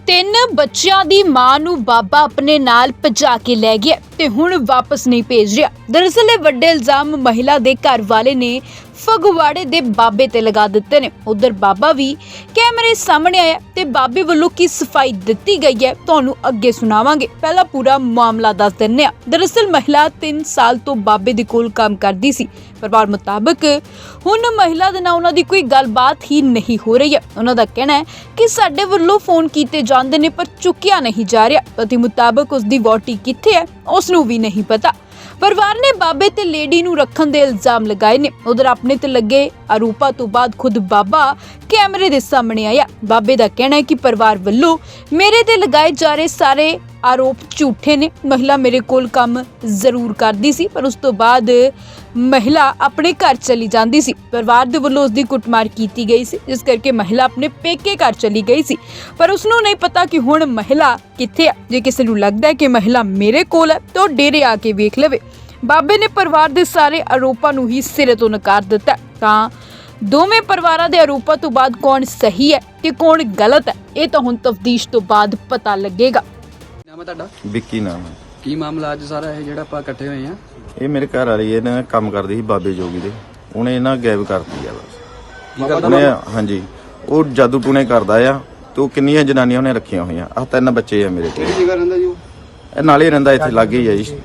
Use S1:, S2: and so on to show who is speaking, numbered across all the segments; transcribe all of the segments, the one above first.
S1: ਤਿੰਨ ਬੱਚਿਆਂ ਦੀ ਮਾਂ ਨੂੰ ਬਾਬਾ ਆਪਣੇ ਨਾਲ ਭਜਾ ਕੇ ਲੈ ਗਿਆ ਤੇ ਹੁਣ ਵਾਪਸ ਨਹੀਂ ਭੇਜ ਰਿਹਾ। ਦਰਅਸਲ ਇਹ ਵੱਡੇ ਇਲਜ਼ਾਮ ਮਹਿਲਾ ਦੇ ਘਰ ਵਾਲੇ ਨੇ ਫਗਵਾੜੇ ਦੇ ਬਾਬੇ ਤੇ ਲਗਾ ਦਿੱਤੇ ਨੇ। ਉਧਰ ਬਾਬਾ ਵੀ ਕੈਮਰੇ ਸਾਹਮਣੇ ਆਇਆ ਤੇ ਬਾਬੇ ਵੱਲੋਂ ਕੀ ਸਫਾਈ ਦਿੱਤੀ ਗਈ ਹੈ ਤੁਹਾਨੂੰ ਅੱਗੇ ਸੁਣਾਵਾਂਗੇ। ਪਹਿਲਾਂ ਪੂਰਾ ਮਾਮਲਾ ਦੱਸ ਦਿੰਨੇ ਆ। ਦਰਅਸਲ ਮਹਿਲਾ 3 ਸਾਲ ਤੋਂ ਬਾਬੇ ਦੇ ਕੋਲ ਕੰਮ ਕਰਦੀ ਸੀ। ਪਰਿਵਾਰ ਮੁਤਾਬਕ ਹੁਣ ਮਹਿਲਾ ਦੇ ਨਾਲ ਉਹਨਾਂ ਦੀ ਕੋਈ ਗੱਲਬਾਤ ਹੀ ਨਹੀਂ ਹੋ ਰਹੀ ਹੈ। ਉਹਨਾਂ ਦਾ ਕਹਿਣਾ ਹੈ ਕਿ ਸਾਡੇ ਵੱਲੋਂ ਫੋਨ ਕੀਤੇ ਜਾਂਦੇ ਨੇ ਪਰ ਚੁੱਕਿਆ ਨਹੀਂ ਜਾ ਰਿਹਾ। ਪਤੀ ਮੁਤਾਬਕ ਉਸ ਦੀ ਵਹੁਟੀ ਕਿੱਥੇ ਹੈ ਉਸ ਨੂੰ ਵੀ ਨਹੀਂ ਪਤਾ। ਪਰਿਵਾਰ ਨੇ ਬਾਬੇ ਤੇ ਲੇਡੀ ਨੂੰ ਰੱਖਣ ਦੇ ਇਲਜ਼ਾਮ ਲਗਾਏ ਨੇ। ਉਧਰ ਆਪਣੇ ਤੇ ਲੱਗੇ ਆਰੋਪਾਂ ਤੋਂ ਬਾਅਦ ਖੁਦ ਬਾਬਾ ਕੈਮਰੇ ਦੇ ਸਾਹਮਣੇ ਆਇਆ। ਬਾਬੇ ਦਾ ਕਹਿਣਾ ਹੈ ਕਿ ਪਰਿਵਾਰ ਵੱਲੋਂ ਮੇਰੇ ਤੇ ਲਗਾਏ ਜਾ ਰਹੇ ਸਾਰੇ ਆਰੋਪ ਝੂਠੇ ਨੇ। ਮਹਿਲਾ ਮੇਰੇ ਕੋਲ ਕੰਮ ਜ਼ਰੂਰ ਕਰਦੀ ਸੀ ਪਰ ਉਸ ਤੋਂ ਬਾਅਦ ਮਹਿਲਾ ਆਪਣੇ ਘਰ ਚਲੀ ਜਾਂਦੀ ਸੀ। ਪਰਿਵਾਰ ਦੇ ਵੱਲੋਂ ਉਸ ਦੀ ਕੁੱਟਮਾਰ ਕੀਤੀ ਗਈ ਸੀ ਜਿਸ ਕਰਕੇ ਮਹਿਲਾ ਆਪਣੇ ਪੇਕੇ ਘਰ ਚਲੀ ਗਈ ਸੀ ਪਰ ਉਸ ਨੂੰ ਨਹੀਂ ਪਤਾ ਕਿ ਹੁਣ ਮਹਿਲਾ ਕਿੱਥੇ ਹੈ। ਜੇ ਕਿਸੇ ਨੂੰ ਲੱਗਦਾ ਹੈ ਕਿ ਮਹਿਲਾ ਮੇਰੇ ਕੋਲ ਹੈ ਤਾਂ ਡੇਰੇ ਆ ਕੇ ਵੇਖ ਲਵੇ। ਬਾਬੇ ਨੇ ਪਰਿਵਾਰ ਦੇ ਸਾਰੇ ਆਰੋਪਾਂ ਨੂੰ ਹੀ ਸਿਰੇ ਤੋਂ ਨਕਾਰ ਦਿੱਤਾ। ਤਾਂ ਦੋਵੇਂ ਪਰਿਵਾਰਾਂ ਦੇ ਆਰੋਪਾਂ ਤੋਂ ਬਾਅਦ ਕੌਣ ਸਹੀ ਹੈ ਤੇ ਕੌਣ ਗਲਤ ਹੈ ਇਹ ਤਾਂ ਹੁਣ ਤਫਤੀਸ਼ ਤੋਂ ਬਾਅਦ ਪਤਾ ਲੱਗੇਗਾ।
S2: ਨਾਮ ਹੈ ਤੁਹਾਡਾ?
S3: ਵਿੱਕੀ ਨਾਮ ਹੈ।
S2: ਕੀ ਮਾਮਲਾ ਅੱਜ ਸਾਰਾ ਇਹ ਜਿਹੜਾ ਆਪਾਂ ਇਕੱਠੇ ਹੋਏ ਆ?
S3: ਇਹ ਮੇਰੇ ਘਰ ਵਾਲੀ ਇਹਨਾਂ ਕੰਮ ਕਰਦੀ ਸੀ ਬਾਬੇ ਜੋਗੀ ਦੇ, ਉਹਨੇ ਇਹਨਾਂ ਗਾਇਬ ਕਰਤੀ ਆ ਬਸ।
S2: ਕੀ ਕਰਦਾ
S3: ਉਹਨੇ ਹਾਂਜੀ ਉਹ ਜਾਦੂ ਟੂਣੇ ਕਰਦਾ ਆ ਤੇ ਉਹ ਕਿੰਨੀਆਂ ਜਨਾਨੀਆਂ ਉਹਨੇ ਰੱਖੀਆਂ ਹੋਈਆਂ। ਆਹ 3 ਬੱਚੇ ਆ ਮੇਰੇ ਕੋਲ।
S2: ਕਿਹੜੀ ਜਗ੍ਹਾ ਰਹਿੰਦਾ ਜੀ ਉਹ?
S3: ਇਹ ਨਾਲੇ ਰਹਿੰਦਾ ਇੱਥੇ ਲਾਗੇ ਹੀ ਆ ਜੀ।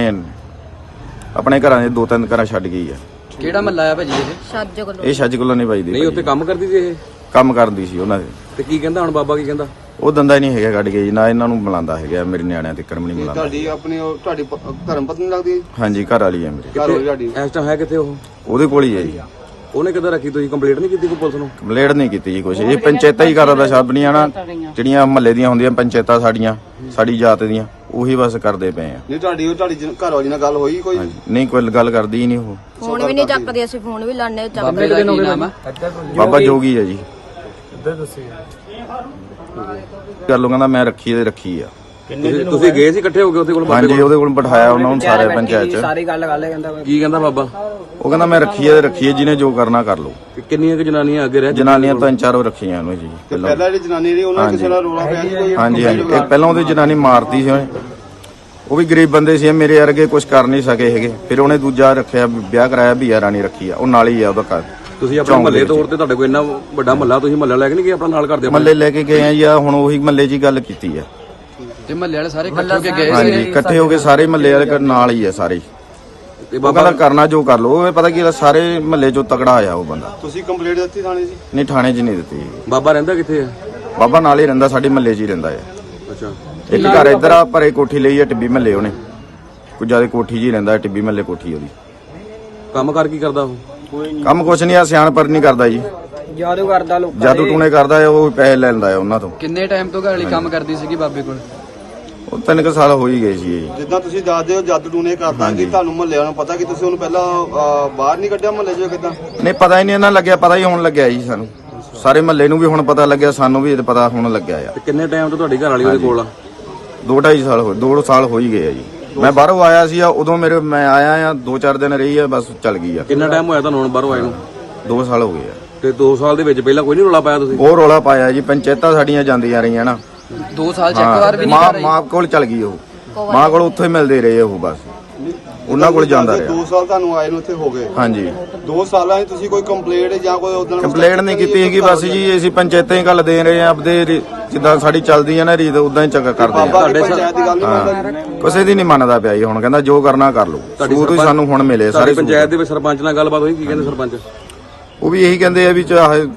S3: ਆਪਣੇ ਘਰਾਂ ਦੇ 2-3 ਘਰਾਂ ਛੱਡ ਗਈ ਆ।
S2: ਕਿਹੜਾ ਮਹੱਲਾ ਆ ਭਾਜੀ ਇਹ?
S3: ਇਹ ਛੱਜ ਕੋਲੋਂ ਨਹੀਂ ਵੱਜਦੀ।
S2: ਨਹੀਂ ਉੱਥੇ ਕੰਮ ਕਰਦੀ ਸੀ ਇਹ?
S3: ਕੰਮ ਕਰਦੀ ਸੀ ਉਹਨਾਂ ਦੇ।
S2: ਤੇ ਕੀ ਕਹਿੰਦਾ ਹੁਣ ਬਾਬਾ? ਕੀ ਕਹਿੰਦਾ?
S3: ਉਹ ਦੰਦਾ ਹੀ ਨਹੀਂ ਹੈਗਾ ਕੱਢ ਗਿਆ ਜੀ, ਨਾ ਇਹਨਾਂ ਨੂੰ ਬੁਲਾਉਂਦਾ ਹੈਗਾ। ਮੇਰੇ ਨਿਆਣਿਆਂ ਤੇ ਕਰਮ ਨਹੀਂ ਬੁਲਾਉਂਦਾ।
S4: ਤੁਹਾਡੀ ਆਪਣੀ ਤੁਹਾਡੀ ਧਰਮ ਪਤਨੀ ਲੱਗਦੀ ਹੈ?
S3: ਹਾਂਜੀ ਘਰ ਵਾਲੀ ਆ ਮੇਰੇ।
S4: ਘਰ ਵਾਲੀ ਤੁਹਾਡੀ
S2: ਇਸ ਟਾਈਮ ਹੈ ਕਿੱਥੇ ਉਹ?
S3: ਉਹਦੇ ਕੋਲ ਹੀ ਹੈ ਜੀ।
S2: ਉਹਨੇ ਕਿੱਦਾਂ ਰੱਖੀ? ਤੁਸੀਂ ਕੰਪਲੀਟ ਨਹੀਂ ਕੀਤੀ ਕੋਈ ਪੁਲਿਸ ਨੂੰ?
S3: ਕੰਪਲੇਂਟ ਨਹੀਂ ਕੀਤੀ ਜੀ ਕੁਛ। ਇਹ ਪੰਚਾਇਤਾਂ ਹੀ ਕਰਦਾ ਸਭ ਦੀਆਂ ਨਾ, ਜਿਹੜੀਆਂ ਮਹੱਲੇ ਦੀਆਂ ਹੁੰਦੀਆਂ ਪੰਚਾਇਤਾਂ ਸਾਡੀਆਂ, ਸਾਡੀ ਜਾਤ ਦੀਆਂ, ਉਹੀ ਬਸ ਕਰਦੇ ਪਏ ਆ।
S4: ਨਹੀਂ ਤੁਹਾਡੀ ਘਰ ਵਾਲੀ ਨਾਲ ਗੱਲ ਹੋਈ ਕੋਈ?
S3: ਨਹੀਂ ਕੋਈ ਗੱਲ ਕਰਦੀ ਹੀ ਨਹੀਂ ਉਹ।
S5: ਫੋਨ ਵੀ ਨਹੀਂ ਚੱਕਦੇ, ਅਸੀਂ ਫੋਨ ਵੀ ਲਾਣੇ
S2: ਬਾਬੇ ਦਾ ਕੀ ਨਾਮ ਆ?
S3: ਬਾਬਾ ਜੋਗੀ ਹੈ ਜੀ। ਕਰ ਲੋ ਕਹਿੰਦਾ ਮੈਂ ਰੱਖੀ ਤੇ ਰੱਖੀ ਆ।
S2: ਤੁਸੀਂ ਗਏ ਸੀ ਇਕੱਠੇ ਹੋ ਕੇ ਉਹਦੇ ਕੋਲ?
S3: ਹਾਂਜੀ ਉਹਦੇ ਕੋਲ ਬਿਠਾਇਆ ਉਹਨਾਂ ਨੂੰ ਸਾਰੇ ਪੰਚਾਇਤ ਚ।
S2: ਸਾਰੀ ਗੱਲ ਕਰ ਲੈ। ਕਹਿੰਦਾ ਕੀ ਕਹਿੰਦਾ ਬਾਬਾ?
S3: ਉਹ ਕਹਿੰਦਾ ਮੈਂ ਰੱਖੀ ਤੇ ਰੱਖੀ ਹੈ, ਜਿਹਨੇ ਜੋ ਕਰਨਾ ਕਰ ਲੋ।
S2: ਕਿੰਨੀਆਂ ਕਿ ਜਨਾਨੀਆਂ ਅੱਗੇ ਰਹਿ?
S3: ਜਨਾਨੀਆਂ 3-4 ਰੱਖੀਆਂ ਉਹਨੂੰ ਜੀ ਪਹਿਲਾਂ।
S4: ਪਹਿਲਾਂ ਜਿਹੜੀ ਜਨਾਨੀ ਰਹੀ ਉਹਨਾਂ ਕਿਸੇ ਨਾਲ ਰੋਲਾ ਪਿਆ ਸੀ ਕੋਈ?
S3: ਹਾਂਜੀ ਹਾਂਜੀ ਇਹ ਪਹਿਲਾਂ ਉਹਦੀ ਜਨਾਨੀ ਮਾਰਤੀ ਸੀ ਉਹਨੇ। ਉਹ ਵੀ ਗਰੀਬ ਬੰਦੇ ਸੀ, ਮੇਰੇ ਵਰਗੇ ਕੁਝ ਕਰ ਨਹੀਂ ਸਕੇ ਹੈਗੇ। ਫਿਰ ਉਹਨੇ ਦੂਜਾ ਰੱਖਿਆ, ਵਿਆਹ ਕਰਾਇਆ, ਭੀਆ ਰਾਣੀ ਰੱਖੀ ਆ। ਉਹ ਨਾਲ ਹੀ ਆ ਉਹਦਾ ਘਰ।
S2: ਤੁਸੀਂ ਆਪਣੇ ਮਹੱਲੇ ਤੌਰ ਤੇ ਤੁਹਾਡੇ ਕੋਲ ਇੰਨਾ ਵੱਡਾ ਮਹੱਲਾ, ਤੁਸੀਂ ਮਹੱਲਾ ਲੈ ਕੇ ਨਹੀਂ ਗਏ ਆਪਣਾ ਨਾਲ ਕਰਦੇ?
S3: ਮਹੱਲੇ ਲੈ ਕੇ ਗਏ ਆ ਜੀ। ਆ ਹੁਣ ਉਹੀ ਮਹੱਲੇ 'ਚ ਹੀ ਗੱਲ ਕੀਤੀ ਆ।
S2: ਤੇ ਮਹੱਲੇ ਵਾਲੇ ਸਾਰੇ ਇਕੱਠੇ ਹੋ ਕੇ ਗਏ
S3: ਹਾਂਜੀ ਇਕੱਠੇ ਹੋ ਕੇ ਸਾਰੇ ਮਹੱਲੇ ਵਾਲੇ ਨਾਲ ਹੀ ਆ ਸਾਰੇ।
S2: ਤੇ
S3: ਉਹ
S2: ਬਾਬਾ
S3: ਕਹਿੰਦਾ ਕਰਨਾ ਜੋ ਕਰ ਲੋ। ਪਤਾ ਕੀ ਸਾਰੇ ਮਹੱਲੇ 'ਚੋਂ ਤਕੜਾ ਆਇਆ ਉਹ ਬੰਦਾ।
S4: ਤੁਸੀਂ ਕੰਪਲੀਟ ਦਿੱਤੀ ਥਾਣੇ 'ਚ?
S3: ਨਹੀਂ ਥਾਣੇ 'ਚ ਨਹੀਂ ਦਿੱਤੀ।
S2: ਬਾਬਾ ਰਹਿੰਦਾ ਕਿੱਥੇ ਆ?
S3: ਬਾਬਾ ਨਾਲ ਹੀ ਰਹਿੰਦਾ, ਸਾਡੇ ਮਹੱਲੇ 'ਚ ਹੀ ਰਹਿੰਦਾ ਆ।
S2: ਅੱਛਾ।
S3: ਇੱਕ ਘਰ ਇੱਧਰ ਆ ਪਰੇ ਕੋਠੀ ਲਈ ਆ ਟਿੱਬੀ ਮਹੱਲੇ। ਉਹਨੇ ਕੁਝ ਜ਼ਿਆਦਾ ਕੋਠੀ 'ਚ ਹੀ ਰਹਿੰਦਾ, ਟਿੱਬੀ ਮਹੱਲੇ ਕੋਠੀ ਉਹਦੀ।
S2: ਕੰਮ ਕਰ ਕੀ ਕਰਦਾ ਉਹ?
S3: ਕੰਮ ਕੁਛ ਨਹੀਂ ਆ, ਸਿਆਣਪਰ ਨਹੀਂ ਕਰਦਾ ਜੀ।
S2: ਜਾਦੂ ਕਰਦਾ ਲੋਕਾਂ
S3: ਜਾਦੂ ਟੂਣੇ ਕਰਦਾ ਆ, ਉਹ ਪੈਸੇ ਲੈ ਲੈਂਦਾ ਆ ਉਹਨਾਂ ਤੋਂ।
S2: ਕਿੰਨੇ ਟਾਈਮ ਤੋਂ ਘਰ ਵਾਲੀ ਕੰਮ ਕਰਦੀ ਸੀਗੀ ਬਾਬੇ ਕੋਲ?
S3: ਉਹ 3 ਸਾਲ ਹੋ ਹੀ ਗਏ ਸੀ ਜੀ।
S4: ਜਿੱਦਾਂ ਤੁਸੀਂ ਦੱਸਦੇ ਹੋ ਜਾਦੂ ਟੂਨੇ ਕਰਦਾ, ਕਿ ਤੁਹਾਨੂੰ ਮਹੱਲੇ ਵਾਲਿਆਂ ਨੂੰ ਪਤਾ ਕਿ ਤੁਸੀਂ ਉਹਨੂੰ ਪਹਿਲਾਂ ਬਾਹਰ ਨਹੀਂ ਕੱਢਿਆ ਮਹੱਲੇ 'ਚੋਂ? ਕਿੱਦਾਂ
S3: ਨਹੀਂ ਪਤਾ ਹੀ ਨਹੀਂ ਇਹਨਾਂ ਲੱਗਿਆ, ਪਤਾ ਹੀ ਹੁਣ ਲੱਗਿਆ ਜੀ ਸਾਨੂੰ। ਸਾਰੇ ਮਹੱਲੇ ਨੂੰ ਵੀ ਹੁਣ ਪਤਾ ਲੱਗਿਆ, ਸਾਨੂੰ ਵੀ ਪਤਾ ਹੁਣ ਲੱਗਿਆ ਆ।
S2: ਤੇ ਕਿੰਨੇ ਟਾਈਮ ਤੋਂ ਤੁਹਾਡੀ ਘਰ ਵਾਲੀ ਉਹਦੇ ਕੋਲ ਆ?
S3: 2-2.5 ਸਾਲ ਹੋਏ, 2 ਸਾਲ ਹੋ ਹੀ ਗਏ ਆ ਜੀ। ਮੈਂ ਬਾਹਰੋਂ ਆਇਆ ਸੀ ਉਦੋਂ ਮੈਂ ਆਇਆ ਆ 2-4 ਦਿਨ ਰਹੀ ਆ ਬਸ ਚੱਲ ਗਈ ਆ।
S2: ਕਿੰਨਾ ਟਾਈਮ ਹੋਇਆ ਤੁਹਾਨੂੰ ਹੁਣ ਬਾਹਰੋਂ ਆਏ ਨੂੰ?
S3: 2 ਸਾਲ ਹੋ ਗਏ ਆ।
S2: ਤੇ 2 ਸਾਲ ਦੇ ਵਿੱਚ ਪਹਿਲਾਂ ਕੋਈ ਨਹੀਂ ਰੌਲਾ ਪਾਇਆ ਤੁਸੀਂ?
S3: ਉਹ ਰੌਲਾ ਪਾਇਆ ਜੀ, ਪੰਚਾਇਤਾਂ ਸਾਡੀਆਂ ਜਾਂਦੀਆਂ ਰਹੀਆਂ ਨਾ।
S2: 2 ਸਾਲ ਚ ਇੱਕ ਵਾਰ ਵੀ ਨਹੀਂ ਕਰ ਰਹੀ?
S3: ਮਾਂ ਕੋਲ ਚੱਲ ਗਈ ਉਹ। ਮਾਂ ਕੋਲ ਉੱਥੇ ਮਿਲਦੇ ਰਹੇ ਉਹ ਬਸ, ਉਹਨਾਂ ਕੋਲ ਜਾਂਦਾ ਰਿਹਾ।
S4: 2 ਸਾਲ ਤੁਹਾਨੂੰ ਆਏ ਨੂੰ ਇੱਥੇ ਹੋ ਗਏ?
S3: ਹਾਂਜੀ।
S4: 2 ਸਾਲਾਂ 'ਚ ਤੁਸੀਂ ਕੋਈ ਕੰਪਲੇਂਟ ਜਾਂ ਕੋਈ ਉਦੋਂ
S3: ਕੰਪਲੇਂਟ ਨਹੀਂ ਕੀਤੀ ਹੈਗੀ ਬਸ ਜੀ। ਅਸੀਂ ਪੰਚਾਇਤਾਂ ਹੀ ਗੱਲ ਦੇ ਰਹੇ ਆ ਆਪਦੇ, ਜਿੱਦਾਂ ਸਾਡੀ ਚੱਲਦੀ ਆ ਨਾ ਰੀਤ ਉਦਾਂ ਹੀ ਚੱਕਾ ਕਰਦੇ ਆ।
S4: ਤੁਹਾਡੇ ਪੰਚਾਇਤ ਦੀ ਗੱਲ ਨਹੀਂ ਮੰਨਦਾ?
S3: ਕਿਸੇ ਦੀ ਨਹੀਂ ਮੰਨਦਾ ਪਿਆ ਜੀ। ਹੁਣ ਕਹਿੰਦਾ ਜੋ ਕਰਨਾ ਕਰ ਲਓ। ਸਬੂਤ ਹੀ ਸਾਨੂੰ ਹੁਣ ਮਿਲੇ ਸਾਰੇ।
S2: ਪੰਚਾਇਤ ਦੇ ਵਿੱਚ ਸਰਪੰਚ ਨਾਲ ਗੱਲਬਾਤ ਹੋਈ? ਕੀ ਕਹਿੰਦੇ ਸਰਪੰਚ?
S3: ਉਹ ਵੀ ਇਹੀ ਕਹਿੰਦੇ ਆ ਵੀ ਚਾਹੇ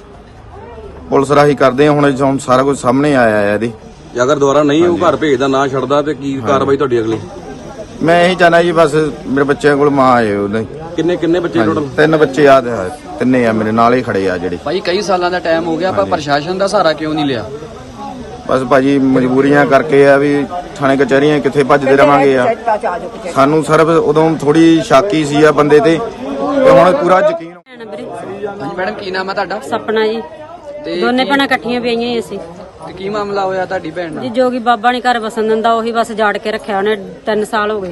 S3: ਪੁਲਿਸ ਰਾਹੀਂ ਕਰਦੇ ਆ। ਹੁਣ ਸਾਰਾ ਕੁਝ ਸਾਹਮਣੇ ਆਇਆ ਆ ਇਹਦੇ।
S2: ਜੇ ਅਗਰ ਦੁਬਾਰਾ ਨਹੀਂ ਉਹ ਘਰ ਭੇਜਦਾ, ਨਾ ਛੱਡਦਾ, ਤੇ ਕੀ ਕਾਰਵਾਈ ਤੁਹਾਡੀ ਅਗਲੀ?
S3: ਮੈਂ ਇਹੀ ਚਾਹਨਾ ਜੀ ਬਸ ਮੇਰੇ ਬੱਚਿਆਂ ਕੋਲ ਮਾਂ ਆਏ ਉਹਦੇ।
S2: ਕਿੰਨੇ ਬੱਚੇ ਟੋਟਲ?
S3: 3 ਬੱਚੇ ਆ, 3 ਆ ਮੇਰੇ ਨਾਲ ਹੀ ਖੜੇ ਆ ਜਿਹੜੇ।
S2: ਭਾਈ ਕਈ ਸਾਲਾਂ ਦਾ ਟਾਈਮ ਹੋ ਗਿਆ, ਆਪਾਂ ਪ੍ਰਸ਼ਾਸਨ ਦਾ ਸਹਾਰਾ ਕਿਉਂ ਨਹੀਂ ਲਿਆ?
S3: ਬਸ ਭਾਜੀ ਮਜਬੂਰੀਆਂ ਕਰਕੇ ਆ ਵੀ ਥਾਣੇ ਕਚਹਿਰੀਆਂ ਕਿੱਥੇ ਭੱਜਦੇ ਰਵਾਂਗੇ ਆ। ਸਾਨੂੰ ਸਿਰਫ ਉਦੋਂ ਥੋੜੀ ਸ਼ਾਕੀ ਸੀ ਆ ਬੰਦੇ ਤੇ ਹੁਣ ਪੂਰਾ ਯਕੀਨ।
S2: ਹਾਂਜੀ ਮੈਡਮ, ਕੀ ਨਾਮ ਹੈ ਤੁਹਾਡਾ?
S5: ਸਪਨਾ ਜੀ।
S2: ਤੇ
S5: ਦੋਨੇ ਭੈਣਾਂ ਇਕੱਠੀਆਂ ਪਈਆਂ ਹੀ ਅਸੀਂ।
S2: ਤੇ ਕੀ ਮਾਮਲਾ ਹੋਇਆ ਤੁਹਾਡੀ ਭੈਣ ਨਾਲ?
S5: ਜੀ ਜੋਗੀ ਬਾਬਾ ਨਹੀਂ ਘਰ ਵਸਣ ਦਿੰਦਾ, ਉਹੀ ਬਸ ਜਾੜ ਕੇ ਰੱਖਿਆ ਉਹਨੇ। 3 ਸਾਲ ਹੋ ਗਏ।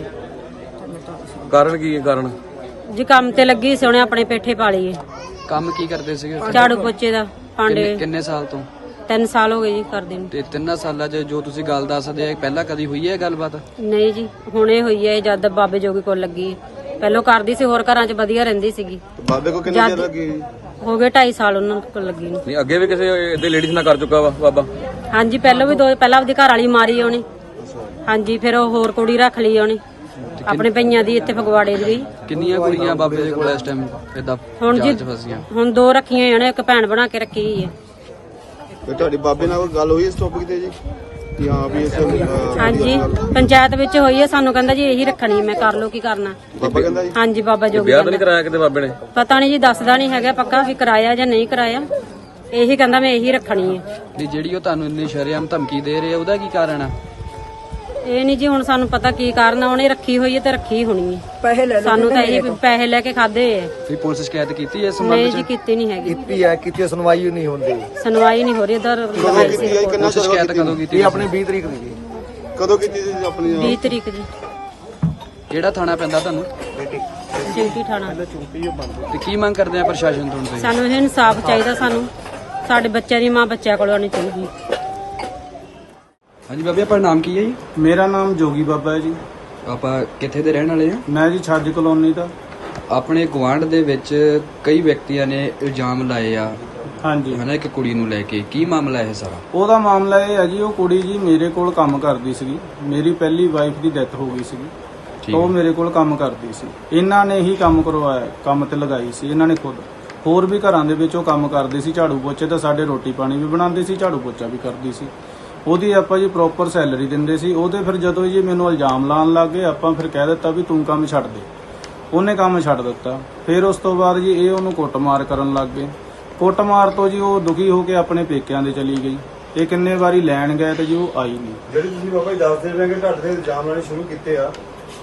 S2: ਕਾਰਨ ਕੀ ਹੈ? ਕਾਰਨ
S5: ਜੀ ਕੰਮ ਤੇ ਲੱਗੀ ਸੀ ਉਹਨੇ, ਆਪਣੇ ਪੇਠੇ ਪਾਲੀਏ।
S2: ਕੰਮ ਕੀ ਕਰਦੇ ਸੀਗੇ?
S5: ਝਾੜੂ ਪੋਚੇ ਦਾ, ਭਾਂਡੇ।
S2: ਕਿੰਨੇ ਸਾਲ ਤੋਂ?
S5: 3 ਸਾਲ ਹੋ ਗਏ ਜੀ ਕਰਦੇ ਨੂੰ।
S6: ਤੇ 3 ਸਾਲਾਂ 'ਚ ਜੋ ਤੁਸੀਂ ਗੱਲ ਦੱਸਦੇ ਆ ਪਹਿਲਾਂ ਕਦੀ ਹੋਈ ਹੈ ਗੱਲਬਾਤ?
S5: ਨਹੀਂ ਜੀ, ਹੁਣੇ ਹੋਈ ਹੈ ਜਦ ਬਾਬੇ ਜੋਗੀ ਕੋਲ ਲੱਗੀ ਹੈ। ਪਹਿਲਾਂ ਕਰਦੀ ਸੀ, ਹੋਰ ਘਰਾਂ 'ਚ ਵਧੀਆ ਰਹਿੰਦੀ ਸੀਗੀ।
S4: ਬਾਬੇ ਕੋ ਕਿੰਨੇ ਚਿਰ ਲੱਗੀ?
S5: ਹੋ ਗਏ 2.5 ਸਾਲ ਉਹਨਾਂ ਕੋਲ ਲੱਗੀ ਨੂੰ।
S2: ਨਹੀਂ ਅੱਗੇ ਵੀ ਕਿਸੇ ਇਹਦੇ ਲੇਡੀਜ਼ ਨਾਲ ਕਰ ਚੁੱਕਾ ਵਾ ਬਾਬਾ?
S5: ਹਾਂਜੀ, ਪਹਿਲਾਂ ਵੀ ਪਹਿਲਾਂ ਆਪਦੀ ਘਰ ਵਾਲੀ ਮਾਰੀ ਉਹਨੇ। ਹਾਂਜੀ, ਫਿਰ ਉਹ ਹੋਰ ਕੁੜੀ ਰੱਖ ਲਈ ਉਹਨੇ ਆਪਣੇ ਪਈਆਂ ਦੀ, ਇੱਥੇ ਫਗਵਾੜੇ ਦੀ।
S6: ਕਿੰਨੀਆਂ ਕੁੜੀਆਂ ਬਾਬੇ ਦੇ ਕੋਲ ਇਸ ਟਾਈਮ ਇਦਾਂ
S5: ਹੁਣ ਜੀ
S6: ਜਾਂਚ ਫਸੀਆਂ?
S5: ਹੁਣ 2 ਰੱਖੀਆਂ ਉਹਨੇ, ਇੱਕ ਭੈਣ ਬਣਾ ਕੇ ਰੱਖੀ ਹੋਈ ਹੈ।
S4: ਤੇ ਤੁਹਾਡੀ ਬਾਬੇ ਨਾਲ ਕੋਈ ਗੱਲ ਹੋਈ ਇਸ ਟੌਪਿਕ ਤੇ ਜੀ ਕਿ ਹਾਂ ਵੀ ਇਸ
S5: ਹਾਂਜੀ, ਪੰਚਾਇਤ ਵਿੱਚ ਹੋਈ ਹੈ। ਸਾਨੂੰ ਕਹਿੰਦਾ ਜੀ ਇਹੀ ਰੱਖਣੀ, ਮੈਂ ਕਰ ਲਓ ਕੀ ਕਰਨਾ।
S4: ਬਾਬਾ ਕਹਿੰਦਾ ਜੀ?
S5: ਹਾਂਜੀ, ਬਾਬਾ ਜੋਗੀ
S2: ਵਿਆਹ ਤਾਂ ਨਹੀਂ ਕਰਾਇਆ ਕਿਤੇ ਬਾਬੇ ਨੇ?
S5: ਪਤਾ ਨਹੀਂ ਜੀ, ਦੱਸਦਾ ਨਹੀਂ ਹੈਗਾ ਪੱਕਾ ਵੀ ਕਰਾਇਆ ਜਾਂ ਨਹੀਂ ਕਰਾਇਆ। ਇਹੀ ਕਹਿੰਦਾ ਮੈਂ ਇਹੀ ਰੱਖਣੀ ਹੈ।
S6: ਤੇ ਜਿਹੜੀ ਉਹ ਤੁਹਾਨੂੰ ਇੰਨੀ ਸ਼ਰੇਆਮ ਧਮਕੀ ਦੇ ਰਹੇ ਆ ਉਹਦਾ ਕੀ ਕਾਰਨ ਆ?
S5: ਇਹ ਨਹੀਂ ਜੀ ਹੁਣ ਸਾਨੂੰ ਪਤਾ ਕੀ ਕਾਰਨ ਆ। ਉਹਨੇ ਰੱਖੀ ਹੋਈ ਹੈ ਤੇ ਰੱਖੀ ਹੋਣੀ ਹੈ। ਸਾਨੂੰ ਤਾਂ ਇਹ ਪੈਸੇ ਲੈ ਕੇ ਖਾਦੇ ਹੈ।
S6: ਵੀ ਪੁਲਿਸ ਸ਼ਿਕਾਇਤ ਕੀਤੀ ਹੈ ਇਸ
S5: ਨਹੀਂ
S6: ਸੰਬੰਧ
S5: ਜੀ,
S6: 'ਚ?
S5: ਕੀਤੀ ਨਹੀਂ ਹੈਗੀ।
S7: ਕੀਤੀ ਸੁਣਵਾਈ ਨਹੀਂ ਹੁੰਦੀ।
S5: ਸੁਣਵਾਈ ਨਹੀਂ ਹੋ ਰਹੀ ਇਧਰ।
S6: ਪੁਲਿਸ ਸ਼ਿਕਾਇਤ ਕਦੋਂ ਕੀਤੀ?
S7: ਆਪਣੇ 20 ਤਰੀਕ ਦੀ ਜੀ।
S4: ਕਦੋਂ ਕੀਤੀ ਸੀ ਆਪਣੀ?
S5: 20 ਤਰੀਕ ਜੀ।
S6: ਕਿਹੜਾ ਥਾਣਾ ਪੈਂਦਾ ਤੁਹਾਨੂੰ?
S5: ਚਿੰਟੀ ਥਾਣਾ।
S6: ਤੇ ਕੀ ਮੰਗ ਕਰਦੇ ਆ ਪ੍ਰਸ਼ਾਸਨ ਤੋਂ ਤੁਸੀਂ?
S5: ਸਾਨੂੰ ਇਹ ਇਨਸਾਫ ਚਾਹੀਦਾ। ਸਾਨੂੰ ਸਾਡੇ ਬੱਚਿਆਂ ਦੀ ਮਾਂ ਬੱਚਿਆਂ ਕੋਲ ਆਉਣੀ ਚਾਹੀਦੀ।
S6: ਹਾਂਜੀ ਬਾਬੇ, ਆਪਣਾ ਨਾਮ ਕੀ ਹੈ ਜੀ?
S8: ਮੇਰਾ ਨਾਮ ਜੋਗੀ ਬਾਬਾ ਹੈ ਜੀ।
S6: ਆਪਾਂ ਕਿੱਥੇ ਦੇ ਰਹਿਣ ਵਾਲੇ ਆ?
S8: ਮੈਂ ਜੀ ਛੱਜ ਕਲੋਨੀ ਦਾ।
S6: ਆਪਣੇ ਗੁਆਂਢ ਦੇ ਵਿੱਚ ਕਈ ਵਿਅਕਤੀਆਂ ਨੇ ਇਲਜ਼ਾਮ ਲਾਏ ਆ
S8: ਹਾਂਜੀ,
S6: ਹਨਾ ਇੱਕ ਕੁੜੀ ਨੂੰ ਲੈ ਕੇ। ਕੀ ਮਾਮਲਾ ਇਹ ਸਾਰਾ?
S8: ਉਹਦਾ ਮਾਮਲਾ ਇਹ ਹੈ ਜੀ, ਉਹ ਕੁੜੀ ਜੀ ਮੇਰੇ ਕੋਲ ਕੰਮ ਕਰਦੀ ਸੀਗੀ। ਮੇਰੀ ਪਹਿਲੀ ਵਾਈਫ ਦੀ ਡੈਥ ਹੋ ਗਈ ਸੀਗੀ,
S6: ਠੀਕ
S8: ਤਾਂ ਉਹ
S6: ਹੈ।
S8: ਮੇਰੇ ਕੋਲ ਕੰਮ ਕਰਦੀ ਸੀ। ਇਹਨਾਂ ਨੇ ਹੀ ਕੰਮ ਕਰਵਾਇਆ, ਕੰਮ ਤੇ ਲਗਾਈ ਸੀ ਇਹਨਾਂ ਨੇ ਖੁਦ। ਹੋਰ ਵੀ ਘਰਾਂ ਦੇ ਵਿੱਚ ਉਹ ਕੰਮ ਕਰਦੇ ਸੀ, ਝਾੜੂ ਪੋਚੇ ਤਾਂ ਸਾਡੇ ਰੋਟੀ ਪਾਣੀ ਵੀ ਬਣਾਉਂਦੇ ਸੀ, ਝਾੜੂ ਪੋਚਾ ਵੀ ਕਰਦੀ ਸੀ। ਉਹਦੀ ਆਪਾਂ ਜੀ ਪ੍ਰੋਪਰ ਸੈਲਰੀ ਦਿੰਦੇ ਸੀ। ਉਹਦੇ ਫਿਰ ਜਦੋਂ ਜੀ ਮੈਨੂੰ ਇਲਜ਼ਾਮ ਲਾਉਣ ਲੱਗ ਗਏ, ਆਪਾਂ ਫਿਰ ਕਹਿ ਦਿੱਤਾ ਵੀ ਤੂੰ ਕੰਮ ਛੱਡ ਦੇ। ਉਹਨੇ ਕੰਮ ਛੱਡ ਦਿੱਤਾ। ਫਿਰ ਉਸ ਤੋਂ ਬਾਅਦ ਜੀ ਇਹ ਉਹਨੂੰ ਕੁੱਟਮਾਰ ਕਰਨ ਲੱਗ ਗਏ। ਕੁੱਟਮਾਰ ਤੋਂ ਜੀ ਉਹ ਦੁਖੀ ਹੋ ਕੇ ਆਪਣੇ ਪੇਕਿਆਂ ਦੇ ਚਲੀ ਗਈ। ਇਹ ਕਿੰਨੇ ਵਾਰੀ ਲੈਣ ਗਏ ਤੇ ਜੀ ਉਹ ਆਈ ਨਹੀਂ।
S4: ਜਿਹੜੇ ਤੁਸੀਂ ਬਾਬਾ ਜੀ ਦੱਸਦੇ ਰਹੇ ਕਿ ਤੁਹਾਡੇ ਤੇ ਇਲਜ਼ਾਮ ਲਾਣੇ ਸ਼ੁਰੂ ਕੀਤੇ ਆ,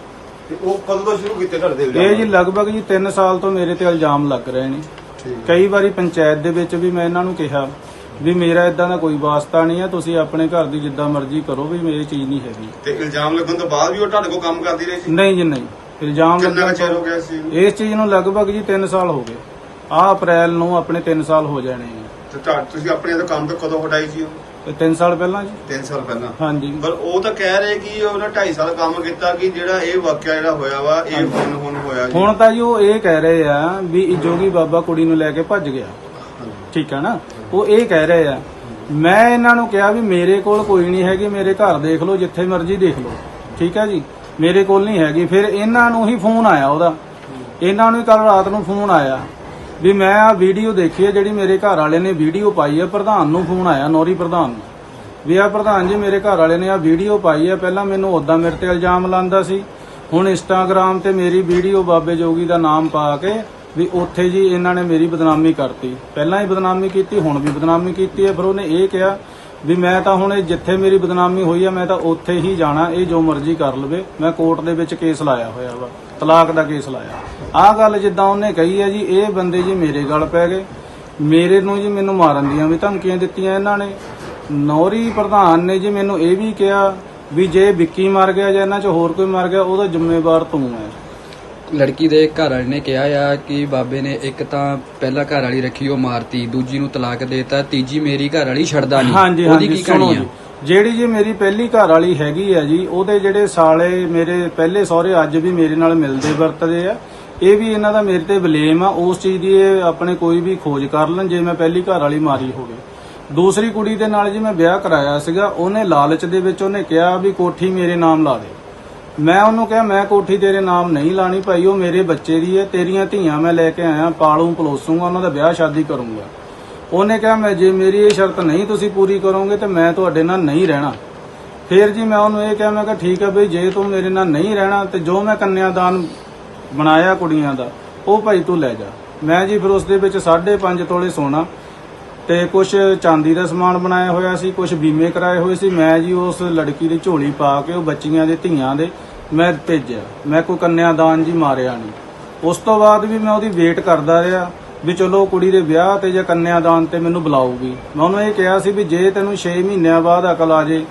S4: ਤੇ ਉਹ ਕਦੋਂ ਤੋਂ ਸ਼ੁਰੂ ਕੀਤੇ ਤੁਹਾਡੇ ਤੇ
S8: ਇਹ ਜੀ ਲਗਭਗ ਜੀ 3 ਸਾਲ ਤੋਂ ਮੇਰੇ ਤੇ ਇਲਜ਼ਾਮ ਲੱਗ ਰਹੇ ਨੇ। ਕਈ ਵਾਰੀ ਪੰਚਾਇਤ ਦੇ ਵਿੱਚ ਵੀ ਮੈਂ ਇਹਨਾਂ ਨੂੰ ਕਿਹਾ ਵੀ ਮੇਰਾ ਇਦਾਂ ਦਾ ਕੋਈ ਵਾਸਤਾ ਨਹੀਂ ਹੈ, ਤੁਸੀਂ ਆਪਣੇ ਘਰ ਦੀ ਜਿੱਦਾਂ ਮਰਜ਼ੀ ਕਰੋ, ਵੀ ਮੇਰੀ ਚੀਜ਼ ਨਹੀਂ ਹੈਗੀ।
S4: ਤੇ ਇਲਜ਼ਾਮ ਲੱਗਣ ਤੋਂ ਬਾਅਦ ਵੀ ਉਹ ਤੁਹਾਡੇ ਕੋਲ ਕੰਮ ਕਰਦੀ ਰਹੀ ਸੀ?
S8: ਨਹੀਂ ਜੀ, ਨਹੀਂ। ਇਲਜ਼ਾਮ
S4: ਕਿੰਨਾ
S8: ਲੱਗਣ
S4: ਚਿਰ ਹੋ
S8: ਤੋਂ
S4: ਗਿਆ ਸੀ?
S8: ਇਸ ਚੀਜ਼ ਨੂੰ ਲਗਭਗ ਜੀ 3 ਸਾਲ ਹੋ ਗਏ। ਆਹ ਅਪ੍ਰੈਲ ਨੂੰ ਆਪਣੇ 3 ਸਾਲ ਹੋ ਜਾਣੇ ਨੇ।
S4: ਤੇ ਤੁਸੀਂ ਆਪਣੇ ਤੋਂ ਕੰਮ ਤੋਂ ਕਦੋਂ ਹਟਾਈ ਸੀ?
S8: ਤੇ 3 ਸਾਲ ਪਹਿਲਾਂ ਜੀ।
S4: 3 ਸਾਲ ਪਹਿਲਾਂ?
S8: ਹਾਂਜੀ।
S4: ਪਰ ਉਹ ਤਾਂ ਕਹਿ ਰਹੇ ਕਿ ਉਹਨੇ 2.5 ਸਾਲ ਕੰਮ ਕੀਤਾ, ਕਿ ਜਿਹੜਾ ਇਹ ਵਾਕਿਆ ਜਿਹੜਾ ਹੋਇਆ ਵਾ ਇਹ ਹੁਣ ਹੋਇਆ ਜੀ।
S8: ਹੁਣ ਤਾਂ ਜੀ ਉਹ ਇਹ ਕਹਿ ਰਹੇ ਆ ਵੀ ਇਹ ਜੋਗੀ ਬਾਬਾ ਕੁੜੀ ਨੂੰ ਲੈ ਕੇ ਭੱਜ ਗਿਆ। ਠੀਕ ਹੈ ਨਾ, ਉਹ ਇਹ ਕਹਿ ਰਹੇ ਆ। ਮੈਂ ਇਹਨਾਂ ਨੂੰ ਕਿਹਾ ਵੀ ਮੇਰੇ ਕੋਲ ਕੋਈ ਨਹੀਂ ਹੈਗੀ, ਮੇਰੇ ਘਰ ਦੇਖ ਲਓ, ਜਿੱਥੇ ਮਰਜ਼ੀ ਦੇਖ ਲਓ। ਠੀਕ ਹੈ ਜੀ, ਮੇਰੇ ਕੋਲ ਨਹੀਂ ਹੈਗੀ। ਫਿਰ ਇਹਨਾਂ ਨੂੰ ਹੀ ਫੋਨ ਆਇਆ ਉਹਦਾ। ਇਹਨਾਂ ਨੂੰ ਕੱਲ ਰਾਤ ਨੂੰ ਫੋਨ ਆਇਆ ਵੀ ਮੈਂ ਆ ਵੀਡੀਓ ਦੇਖੀ ਹੈ ਜਿਹੜੀ ਮੇਰੇ ਘਰ ਵਾਲੇ ਨੇ ਵੀਡੀਓ ਪਾਈ ਹੈ। ਪ੍ਰਧਾਨ ਨੂੰ ਫੋਨ ਆਇਆ, ਨੌਰੀ ਪ੍ਰਧਾਨ ਨੂੰ, ਵੀ ਆ ਪ੍ਰਧਾਨ ਜੀ ਮੇਰੇ ਘਰ ਵਾਲੇ ਨੇ ਆ ਵੀਡੀਓ ਪਾਈ ਹੈ। ਪਹਿਲਾਂ ਮੈਨੂੰ ਉਦਾਂ ਮੇਰੇ ਤੇ ਇਲਜ਼ਾਮ ਲਾਉਂਦਾ ਸੀ, ਹੁਣ ਇੰਸਟਾਗ੍ਰਾਮ ਤੇ ਮੇਰੀ ਵੀਡੀਓ ਬਾਬੇ ਜੋਗੀ ਦਾ ਨਾਮ ਪਾ ਕੇ ਵੀ ਉੱਥੇ ਜੀ ਇਹਨਾਂ ਨੇ ਮੇਰੀ ਬਦਨਾਮੀ ਕਰਤੀ। ਪਹਿਲਾਂ ਹੀ ਬਦਨਾਮੀ ਕੀਤੀ, ਹੁਣ ਵੀ ਬਦਨਾਮੀ ਕੀਤੀ ਹੈ। ਫਿਰ ਉਹਨੇ ਇਹ ਕਿਹਾ ਵੀ ਮੈਂ ਤਾਂ ਹੁਣ ਜਿੱਥੇ ਮੇਰੀ ਬਦਨਾਮੀ ਹੋਈ ਆ ਮੈਂ ਤਾਂ ਉੱਥੇ ਹੀ ਜਾਣਾ, ਇਹ ਜੋ ਮਰਜ਼ੀ ਕਰ ਲਵੇ। ਮੈਂ ਕੋਰਟ ਦੇ ਵਿੱਚ ਕੇਸ ਲਾਇਆ ਹੋਇਆ ਵਾ, ਤਲਾਕ ਦਾ ਕੇਸ ਲਾਇਆ। ਆਹ ਗੱਲ ਜਿੱਦਾਂ ਉਹਨੇ ਕਹੀ ਹੈ ਜੀ, ਇਹ ਬੰਦੇ ਜੀ ਮੇਰੇ ਗਲ ਪੈ ਗਏ। ਮੇਰੇ ਨੂੰ ਜੀ ਮੈਨੂੰ ਮਾਰਨ ਦੀਆਂ ਵੀ ਧਮਕੀਆਂ ਦਿੱਤੀਆਂ ਇਹਨਾਂ ਨੇ। ਨੌਰੀ ਪ੍ਰਧਾਨ ਨੇ ਜੀ ਮੈਨੂੰ ਇਹ ਵੀ ਕਿਹਾ ਵੀ ਜੇ ਵਿੱਕੀ ਮਰ ਗਿਆ ਜਾਂ ਇਹਨਾਂ 'ਚ ਹੋਰ ਕੋਈ ਮਰ ਗਿਆ ਉਹਦਾ ਜ਼ਿੰਮੇਵਾਰ ਤੂੰ ਹੈ।
S6: ਲੜਕੀ ਦੇ ਘਰ ਵਾਲੇ ਨੇ ਕਿਹਾ ਆ ਕਿ ਬਾਬੇ ਨੇ ਇੱਕ ਤਾਂ ਪਹਿਲਾਂ ਘਰ ਵਾਲੀ ਰੱਖੀ ਉਹ ਮਾਰਤੀ, ਦੂਜੀ ਨੂੰ ਤਲਾਕ ਦੇਤਾ, ਤੀਜੀ ਮੇਰੀ ਘਰ ਵਾਲੀ ਛੱਡਦਾ ਨਹੀਂ।
S8: ਹਾਂਜੀ
S6: ਉਹਦੀ
S8: ਹਾਂਜੀ,
S6: ਕੀ
S8: ਸੁਣੋ
S6: ਕਹਾਣੀ ਆ?
S8: ਜੀ, ਜਿਹੜੀ ਜੀ ਮੇਰੀ ਪਹਿਲੀ ਘਰ ਵਾਲੀ ਹੈਗੀ ਆ ਜੀ, ਉਹਦੇ ਜਿਹੜੇ ਸਾਲੇ ਮੇਰੇ ਪਹਿਲੇ ਸਹੁਰੇ ਅੱਜ ਵੀ ਮੇਰੇ ਨਾਲ ਮਿਲਦੇ ਵਰਤਦੇ ਆ। ਇਹ ਵੀ ਇਹਨਾਂ ਦਾ ਮੇਰੇ ਤੇ ਬਲੇਮ ਆ। ਉਸ ਚੀਜ਼ ਦੀ ਇਹ ਆਪਣੇ ਕੋਈ ਵੀ ਖੋਜ ਕਰ ਲੈਣ ਜੇ ਮੈਂ ਪਹਿਲੀ ਘਰ ਵਾਲੀ ਮਾਰੀ ਹੋਵੇ। ਦੂਸਰੀ ਕੁੜੀ ਦੇ ਨਾਲ ਜੀ ਮੈਂ ਵਿਆਹ ਕਰਾਇਆ ਸੀਗਾ। ਉਹਨੇ ਲਾਲਚ ਦੇ ਵਿੱਚ ਉਹਨੇ ਕਿਹਾ ਵੀ ਕੋਠੀ ਮੇਰੇ ਨਾਮ ਲਾ ਦੇ। ਮੈਂ ਉਹਨੂੰ ਕਿਹਾ ਮੈਂ ਕੋਠੀ ਤੇਰੇ ਨਾਮ ਨਹੀਂ ਲਾਣੀ ਭਾਈ, ਉਹ ਮੇਰੇ ਬੱਚੇ ਦੀ ਹੈ, ਤੇਰੀਆਂ ਧੀਆਂ ਮੈਂ ਲੈ ਕੇ ਆਇਆ, ਪਾਲੂ ਪਲੋਸੂਗਾ, ਉਹਨਾਂ ਦਾ ਵਿਆਹ ਸ਼ਾਦੀ ਕਰੂੰਗਾ। ਉਹਨੇ ਕਿਹਾ ਮੈਂ ਜੇ ਮੇਰੀ ਇਹ ਸ਼ਰਤ ਨਹੀਂ ਤੁਸੀਂ ਪੂਰੀ ਕਰੋਗੇ ਤੇ ਮੈਂ ਤੁਹਾਡੇ ਨਾਲ ਨਹੀਂ ਰਹਿਣਾ। ਫਿਰ ਜੀ ਮੈਂ ਉਹਨੂੰ ਇਹ ਕਿਹਾ, ਮੈਂ ਕਿਹਾ ਠੀਕ ਹੈ ਬਈ, ਜੇ ਤੂੰ ਮੇਰੇ ਨਾਲ ਨਹੀਂ ਰਹਿਣਾ ਤੇ ਜੋ ਮੈਂ ਕੰਨਿਆਦਾਨ ਬਣਾਇਆ ਕੁੜੀਆਂ ਦਾ ਉਹ ਭਾਈ ਤੂੰ ਲੈ ਜਾ। ਮੈਂ ਜੀ ਫਿਰ ਉਸ ਦੇ ਵਿੱਚ 5.5 ਤੋਲੇ ਸੋਨਾ ਤੇ ਕੁਝ ਚਾਂਦੀ ਦਾ ਸਮਾਨ ਬਣਾਇਆ ਹੋਇਆ ਸੀ, ਕੁਝ ਬੀਮੇ ਕਰਾਏ ਹੋਏ ਸੀ। ਮੈਂ ਜੀ ਉਸ ਲੜਕੀ ਦੀ ਝੋਲੀ ਪਾ ਕੇ ਉਹ ਬੱਚੀਆਂ ਦੇ ਧੀਆਂ ਦੇ ਮੈਂ ਭੇਜਿਆ। ਮੈਂ ਕੋਈ ਕੰਨਿਆਦਾਨ ਜੀ ਮਾਰਿਆ ਨਹੀਂ। ਉਸ ਤੋਂ ਬਾਅਦ ਵੀ ਮੈਂ ਉਹਦੀ ਵੇਟ ਕਰਦਾ ਰਿਹਾ ਵੀ ਚਲੋ ਕੁੜੀ ਦੇ ਵਿਆਹ ਤੇ ਜਾਂ ਕੰਨਿਆਦਾਨ ਤੇ ਮੈਨੂੰ ਬੁਲਾਊਗੀ। ਮੈਂ ਉਹਨੂੰ ਇਹ ਕਿਹਾ ਸੀ ਵੀ ਜੇ ਤੈਨੂੰ 6 ਮਹੀਨਿਆਂ ਬਾਅਦ ਅਕਲ ਆ ਜੇ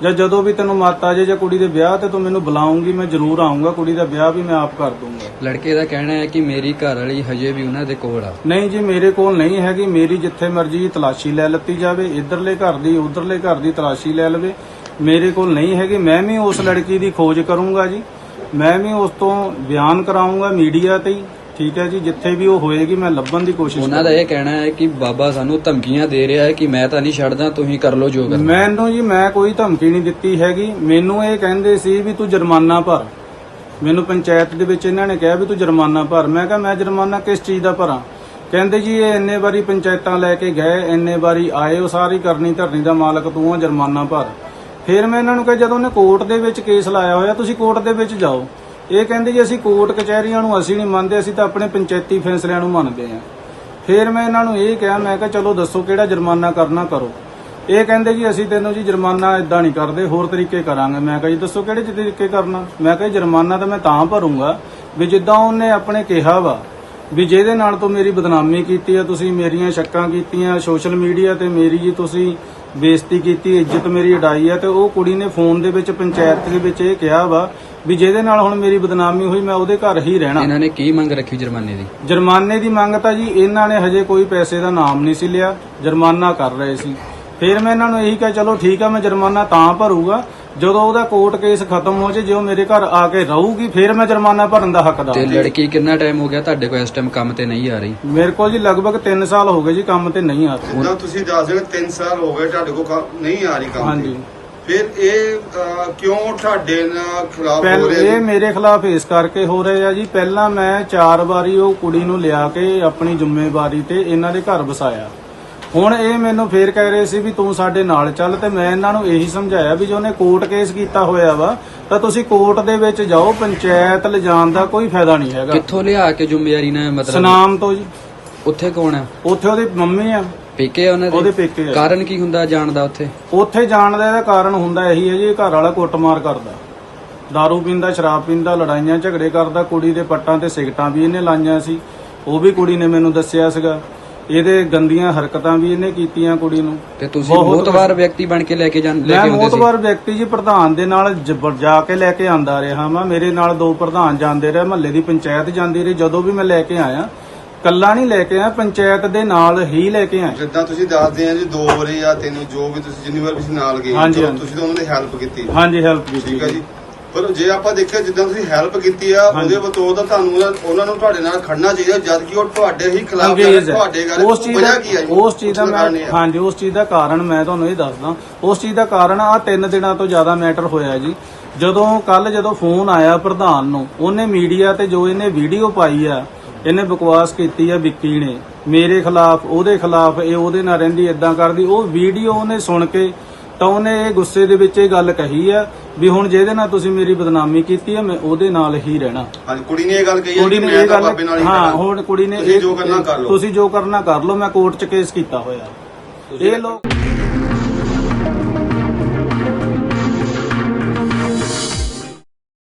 S8: ਜਾਂ ਜਦੋਂ ਵੀ ਤੈਨੂੰ ਮੱਤ ਆ ਜੇ ਜਾਂ ਕੁੜੀ ਦੇ ਵਿਆਹ ਤੇ ਤੂੰ ਮੈਨੂੰ ਬੁਲਾਉਂਗੀ, ਮੈਂ ਜ਼ਰੂਰ ਆਉਂਗਾ। ਕੁੜੀ ਦਾ ਵਿਆਹ ਵੀ ਮੈਂ ਆਪ ਕਰ ਦੂੰਗਾ।
S6: ਲੜਕੇ ਦਾ ਕਹਿਣਾ ਹੈ ਕਿ ਮੇਰੀ ਘਰ ਵਾਲੀ ਹਜੇ ਵੀ ਉਹਨਾਂ ਦੇ ਕੋਲ ਆ।
S8: ਨਹੀਂ ਜੀ, ਮੇਰੇ ਕੋਲ ਨਹੀਂ ਹੈਗੀ। ਮੇਰੀ ਜਿੱਥੇ ਮਰਜ਼ੀ ਤਲਾਸ਼ੀ ਲੈ ਲੱਤੀ ਜਾਵੇ, ਇਧਰਲੇ ਘਰ ਦੀ ਉਧਰਲੇ ਘਰ ਦੀ ਤਲਾਸ਼ੀ ਲੈ ਲਵੇ, ਮੇਰੇ ਕੋਲ ਨਹੀਂ ਹੈਗੀ। ਮੈਂ ਵੀ ਉਸ ਲੜਕੀ ਦੀ ਖੋਜ ਕਰੂੰਗਾ ਜੀ, ਮੈਂ ਵੀ ਉਸ ਤੋਂ ਬਿਆਨ ਕਰਾਉਂਗਾ ਮੀਡੀਆ ਤੇ ਹੀ, ਠੀਕ ਹੈ ਜੀ। ਜਿੱਥੇ ਵੀ ਉਹ ਹੋਏਗੀ ਮੈਂ ਲੱਭਣ ਦੀ ਕੋਸ਼ਿਸ਼
S6: ਉਹਨਾਂ ਦਾ ਇਹ ਕਹਿਣਾ ਹੈ ਕਿ ਬਾਬਾ ਸਾਨੂੰ ਧਮਕੀਆਂ ਦੇ ਰਿਹਾ ਹੈ ਕਿ ਮੈਂ ਤਾਂ ਨਹੀਂ ਛੱਡਦਾ, ਤੁਸੀਂ ਕਰ ਲਓ ਜੋ ਕਰਨਾ।
S8: ਮੈਨੂੰ ਜੀ, ਮੈਂ ਕੋਈ ਧਮਕੀ ਨਹੀਂ ਦਿੱਤੀ ਹੈਗੀ। ਮੈਨੂੰ ਇਹ ਕਹਿੰਦੇ ਸੀ ਵੀ ਤੂੰ ਜੁਰਮਾਨਾ ਭਰ। ਮੈਨੂੰ ਪੰਚਾਇਤ ਦੇ ਵਿੱਚ ਇਹਨਾਂ ਨੇ ਕਿਹਾ ਵੀ ਤੂੰ ਜੁਰਮਾਨਾ ਭਰ। ਮੈਂ ਕਿਹਾ ਮੈਂ ਜੁਰਮਾਨਾ ਕਿਸ ਚੀਜ਼ ਦਾ ਭਰਾਂ? ਕਹਿੰਦੇ ਜੀ ਇਹ ਇੰਨੇ ਵਾਰੀ ਪੰਚਾਇਤਾਂ ਲੈ ਕੇ ਗਏ, ਇੰਨੇ ਵਾਰੀ ਆਏ, ਉਹ ਸਾਰੀ ਕਰਨੀ ਧਰਨੀ ਦਾ ਮਾਲਕ ਤੂੰ ਆ, ਜੁਰਮਾਨਾ ਭਰ। ਫਿਰ ਮੈਂ ਇਹਨਾਂ ਨੂੰ ਕਿਹਾ ਜਦੋਂ ਉਹਨੇ ਕੋਰਟ ਦੇ ਵਿੱਚ ਕੇਸ ਲਾਇਆ ਹੋਇਆ, ਤੁਸੀਂ ਕੋਰਟ ਦੇ ਵਿੱਚ ਜਾਓ। ਇਹ ਕਹਿੰਦੇ ਜੀ ਅਸੀਂ ਕੋਰਟ ਕਚਹਿਰੀਆਂ ਨੂੰ ਅਸੀਂ ਨਹੀਂ ਮੰਨਦੇ, ਅਸੀਂ ਤਾਂ ਆਪਣੇ ਪੰਚਾਇਤੀ ਫੈਸਲਿਆਂ ਨੂੰ ਮੰਨਦੇ ਹਾਂ। ਫਿਰ ਮੈਂ ਇਹਨਾਂ ਨੂੰ ਇਹ ਕਿਹਾ, ਮੈਂ ਕਿਹਾ ਚਲੋ ਦੱਸੋ ਕਿਹੜਾ ਜੁਰਮਾਨਾ ਕਰਨਾ ਕਰੋ। ਇਹ ਕਹਿੰਦੇ ਜੀ ਅਸੀਂ ਤੈਨੂੰ ਜੀ ਜੁਰਮਾਨਾ ਇਦਾਂ ਨਹੀਂ ਕਰਦੇ, ਹੋਰ ਤਰੀਕੇ ਕਰਾਂਗੇ। ਮੈਂ ਕਿਹਾ ਜੀ ਦੱਸੋ ਕਿਹੜੇ ਤਰੀਕੇ ਕਰਨਾ? ਮੈਂ ਕਿਹਾ ਜੁਰਮਾਨਾ ਤਾਂ ਮੈਂ ਤਾਂ ਭਰੂੰਗਾ ਵੀ ਜਿੱਦਾਂ ਉਹਨੇ ਆਪਣੇ ਕਿਹਾ ਵਾ ਵੀ ਜਿਹਦੇ ਨਾਲ ਤੋਂ ਮੇਰੀ ਬਦਨਾਮੀ ਕੀਤੀ ਆ, ਤੁਸੀਂ ਮੇਰੀਆਂ ਸ਼ੱਕਾਂ ਕੀਤੀਆਂ ਸੋਸ਼ਲ ਮੀਡੀਆ ਤੇ, ਮੇਰੀ ਜੀ ਤੁਸੀਂ ਬੇਇੱਜ਼ਤੀ ਕੀਤੀ, ਇੱਜ਼ਤ ਮੇਰੀ ਉਡਾਈ ਆ, ਤੇ ਉਹ ਕੁੜੀ ਨੇ ਫੋਨ ਦੇ ਵਿੱਚ ਪੰਚਾਇਤ ਦੇ ਵਿੱਚ ਇਹ ਕਿਹਾ ਵਾ ਵੀ ਜਿਹਦੇ ਨਾਲ ਹੁਣ ਮੇਰੀ ਬਦਨਾਮੀ ਹੋਈ ਮੈਂ ਉਹਦੇ ਘਰ ਹੀ ਰਹਿਣਾ।
S6: ਇਹਨਾਂ ਨੇ ਕੀ ਮੰਗ ਰੱਖੀ ਜੁਰਮਾਨੇ ਦੀ?
S8: ਜੁਰਮਾਨੇ ਦੀ ਮੰਗ ਤਾਂ ਜੀ ਇਹਨਾਂ ਨੇ ਹਜੇ ਕੋਈ ਪੈਸੇ ਦਾ ਨਾਮ ਨਹੀਂ ਸੀ ਲਿਆ, ਜੁਰਮਾਨਾ ਕਰ ਰਹੇ ਸੀ। ਫਿਰ ਮੈਂ ਇਹਨਾਂ ਨੂੰ ਇਹੀ ਕਿਹਾ ਚਲੋ ਠੀਕ ਆ, ਮੈਂ ਜੁਰਮਾਨਾ ਤਾਂ ਭਰੂਗਾ ਜਦੋਂ ਉਹਦਾ ਕੋਰਟ ਕੇਸ ਖਤਮ ਹੋ ਜੇ, ਜੇ ਉਹ ਮੇਰੇ ਘਰ ਆ ਕੇ ਰਹੂਗੀ ਫਿਰ ਮੈਂ ਜੁਰਮਾਨਾ ਭਰਨ ਦਾ ਹੱਕਦਾਰ।
S6: ਤੇ ਲੜਕੀ ਕਿੰਨਾ ਟਾਈਮ ਹੋ ਗਿਆ ਤੁਹਾਡੇ ਕੋਲ ਇਸ ਟਾਈਮ ਕੰਮ ਤੇ ਨਹੀਂ ਆ ਰਹੀ?
S8: ਮੇਰੇ ਕੋਲ ਜੀ ਲਗਭਗ 3 ਸਾਲ ਹੋ ਗਏ ਜੀ ਕੰਮ ਤੇ ਨਹੀਂ ਆ ਰਹੀ।
S4: ਜਿੱਦਾਂ ਤੁਸੀਂ ਦੱਸ ਰਹੇ 3 ਸਾਲ ਹੋ ਗਏ ਤੁਹਾਡੇ ਕੋਲ ਨਹੀਂ ਆ ਰਹੀ ਕੰਮ
S8: ਹਾਂਜੀ।
S4: ਫਿਰ ਇਹ ਕਿਉਂ ਤੁਹਾਡੇ ਨਾਲ ਖਿਲਾਫ ਹੋ
S8: ਪਹਿਲਾਂ
S4: ਰਹੇ
S8: ਇਹ ਮੇਰੇ ਖਿਲਾਫ ਇਸ ਕਰਕੇ ਹੋ ਰਹੇ ਆ ਜੀ, ਪਹਿਲਾਂ ਮੈਂ 4 ਵਾਰੀ ਉਹ ਕੁੜੀ ਨੂੰ ਲਿਆ ਕੇ ਆਪਣੀ ਜ਼ਿੰਮੇਵਾਰੀ ਤੇ ਇਹਨਾਂ ਦੇ ਘਰ ਵਸਾਇਆ। ਹੁਣ ਇਹ ਮੈਨੂੰ ਫੇਰ ਕਹਿ ਰਹੇ ਸੀ ਵੀ ਤੂੰ ਸਾਡੇ ਨਾਲ ਚੱਲ, ਤੇ ਮੈਂ ਇਹਨਾਂ ਨੂੰ ਇਹੀ ਸਮਝਾਇਆ ਵੀ ਜੇ ਉਹਨੇ ਕੋਰਟ ਕੇਸ ਕੀਤਾ ਹੋਇਆ ਵਾ ਤਾਂ ਤੁਸੀਂ ਕੋਰਟ ਦੇ ਵਿੱਚ ਜਾਓ, ਪੰਚਾਇਤ ਲਿਜਾਣ ਦਾ ਕੋਈ ਫਾਇਦਾ ਨਹੀਂ ਹੈਗਾ।
S6: ਕਿੱਥੋਂ ਲਿਆ ਕੇ ਜ਼ਿੰਮੇਵਾਰੀ ਨਾਲ ਮਤਲਬ?
S8: ਸਨਾਮ ਤੋਂ ਜੀ।
S6: ਉੱਥੇ ਕੌਣ ਆ?
S8: ਉੱਥੇ ਉਹਦੀ ਮੰਮੀ ਆ,
S6: ਪੇਕੇ ਆ ਉਹਨਾਂ ਦੇ?
S8: ਉਹਦੇ ਪੇਕੇ ਆ।
S6: ਕਾਰਨ ਕੀ ਹੁੰਦਾ ਜਾਣ ਦਾ ਉੱਥੇ?
S8: ਉੱਥੇ ਜਾਣ ਦਾ ਇਹਦਾ ਕਾਰਨ ਹੁੰਦਾ ਇਹੀ ਹੈ ਜੀ, ਇਹ ਘਰ ਵਾਲਾ ਕੁੱਟਮਾਰ ਕਰਦਾ, ਦਾਰੂ ਪੀਂਦਾ, ਸ਼ਰਾਬ ਪੀਂਦਾ, ਲੜਾਈਆਂ ਝਗੜੇ ਕਰਦਾ, ਕੁੜੀ ਦੇ ਪੱਟਾਂ ਤੇ ਸਿਗਟਾਂ ਵੀ ਇਹਨੇ ਲਾਈਆਂ ਸੀ, ਉਹ ਵੀ ਕੁੜੀ ਨੇ ਮੈਨੂੰ ਦੱਸਿਆ ਸੀਗਾ। ਇਹਦੇ ਗੰਦੀਆਂ ਹਰਕਤਾਂ ਵੀ ਇਹਨੇ ਕੀਤੀਆਂ ਕੁੜੀ ਨੂੰ।
S6: ਤੇ ਤੁਸੀਂ ਮੋਤਵਾਰ ਵਿਅਕਤੀ ਬਣ ਕੇ ਲੈ ਕੇ
S8: ਮੈਂ
S6: ਆਉਂਦੇ ਸੀ?
S8: ਮੋਤਵਾਰ ਵਿਅਕਤੀ ਜੀ, ਪ੍ਰਧਾਨ ਦੇ ਨਾਲ ਜਾ ਕੇ ਲੈ ਕੇ ਆਂਦਾ ਰਿਹਾ ਮੈਂ। ਮੇਰੇ ਨਾਲ 2 ਪ੍ਰਧਾਨ ਜਾਂਦੇ ਰਹੇ, ਮਹੱਲੇ ਦੀ ਪੰਚਾਇਤ ਜਾਂਦੀ ਰਹੀ। ਜਦੋਂ ਵੀ ਮੈਂ ਲੈ ਕੇ ਆਇਆ, ਕੱਲਾ ਨਹੀਂ ਲੈ ਕੇ ਆਇਆ, ਪੰਚਾਇਤ ਦੇ ਨਾਲ ਹੀ ਲੈ ਕੇ ਆਇਆ।
S4: ਜਿੱਦਾਂ ਤੁਸੀਂ ਦੱਸਦੇ ਆ ਜੀ 2 ਵਾਰੀ ਜਾਂ 3 ਜੋ ਵੀ ਤੁਸੀਂ ਜਿੰਨੀ ਵਾਰ ਤੁਸੀਂ ਨਾਲ ਗਏ,
S8: ਹਾਂਜੀ,
S4: ਚਲੋ ਤੁਸੀਂ ਤਾਂ ਉਹਨਾਂ ਦੀ ਹੈਲਪ ਕੀਤੀ।
S8: ਹਾਂਜੀ, ਹੈਲਪ ਕੀਤੀ।
S4: ਠੀਕ ਹੈ ਜੀ। ਪਰ ਜੇ ਆਪਾਂ ਦੇਖਿਆ ਜਿੱਦਾਂ ਤੁਸੀਂ ਹੈਲਪ ਕੀਤੀ ਆ, ਉਹਦੇ ਬਤੌਰ ਤਾਂ ਤੁਹਾਨੂੰ ਉਹਨਾਂ ਨੂੰ ਤੁਹਾਡੇ ਨਾਲ ਖੜਨਾ ਚਾਹੀਦਾ, ਜਦ ਕਿ ਉਹ ਤੁਹਾਡੇ ਹੀ ਖਿਲਾਫ
S8: ਅੰਗਰੇਜ਼ ਹੈ।
S4: ਤੁਹਾਡੇ ਗੱਲ
S8: ਉਸ ਚੀਜ਼ ਦਾ
S4: ਕੀ ਹੈ?
S8: ਉਸ ਚੀਜ਼ ਦਾ ਮੈਂ ਹਾਂਜੀ ਉਸ ਚੀਜ਼ ਦਾ ਕਾਰਨ ਮੈਂ ਤੁਹਾਨੂੰ ਇਹ ਦੱਸਦਾ। ਉਸ ਚੀਜ਼ ਦਾ ਕਾਰਨ ਆ 3 ਦਿਨਾਂ ਤੋਂ ਜ਼ਿਆਦਾ ਮੈਟਰ ਹੋਇਆ ਜੀ। ਜਦੋਂ ਫੋਨ ਆਇਆ ਪ੍ਰਧਾਨ ਨੂੰ, ਉਹਨੇ ਮੀਡੀਆ ਤੇ ਜੋ ਇਹਨੇ ਵੀਡੀਓ ਪਾਈ ਆ, ਇਹਨੇ ਬਕਵਾਸ ਕੀਤੀ ਆ ਵਿੱਕੀ ਨੇ ਮੇਰੇ ਖਿਲਾਫ, ਉਹਦੇ ਖਿਲਾਫ, ਇਹ ਉਹਦੇ ਨਾਲ ਰਹਿੰਦੀ, ਇਦਾਂ ਕਰਦੀ। ਉਹ ਵੀਡੀਓ ਉਹਨੇ ਸੁਣ ਕੇ ਤਾਂ ਉਹਨੇ ਇਹ ਗੁੱਸੇ ਦੇ ਵਿੱਚ ਇਹ ਗੱਲ ਕਹੀ ਆ ਵੀ ਹੁਣ ਜਿਹਦੇ ਨਾਲ ਤੁਸੀਂ ਮੇਰੀ ਬਦਨਾਮੀ ਕੀਤੀ ਆ, ਮੈਂ ਉਹਦੇ ਨਾਲ ਹੀ ਰਹਿਣਾ।
S4: ਹਾਂਜੀ, ਕੁੜੀ ਨੇ ਇਹ ਗੱਲ ਕਹੀ ਹੈ
S8: ਕੁੜੀ
S4: ਕਿ
S8: ਨੇ
S4: ਮੈਂ
S8: ਇਹ
S4: ਤਾਂ
S8: ਗੱਲ
S4: ਬਾਬੇ ਨਾਲ ਹੀ
S8: ਹਾਂ,
S4: ਰਹਿਣਾ।
S8: ਹੁਣ ਕੁੜੀ ਨੇ
S4: ਤੁਸੀਂ ਜੋ ਕਰਨਾ ਕਰ ਲਓ।
S8: ਤੁਸੀਂ ਜੋ ਕਰਨਾ ਕਰ ਲਓ, ਮੈਂ ਕੋਰਟ 'ਚ ਕੇਸ ਕੀਤਾ ਹੋਇਆ। ਇਹ ਲੋਕ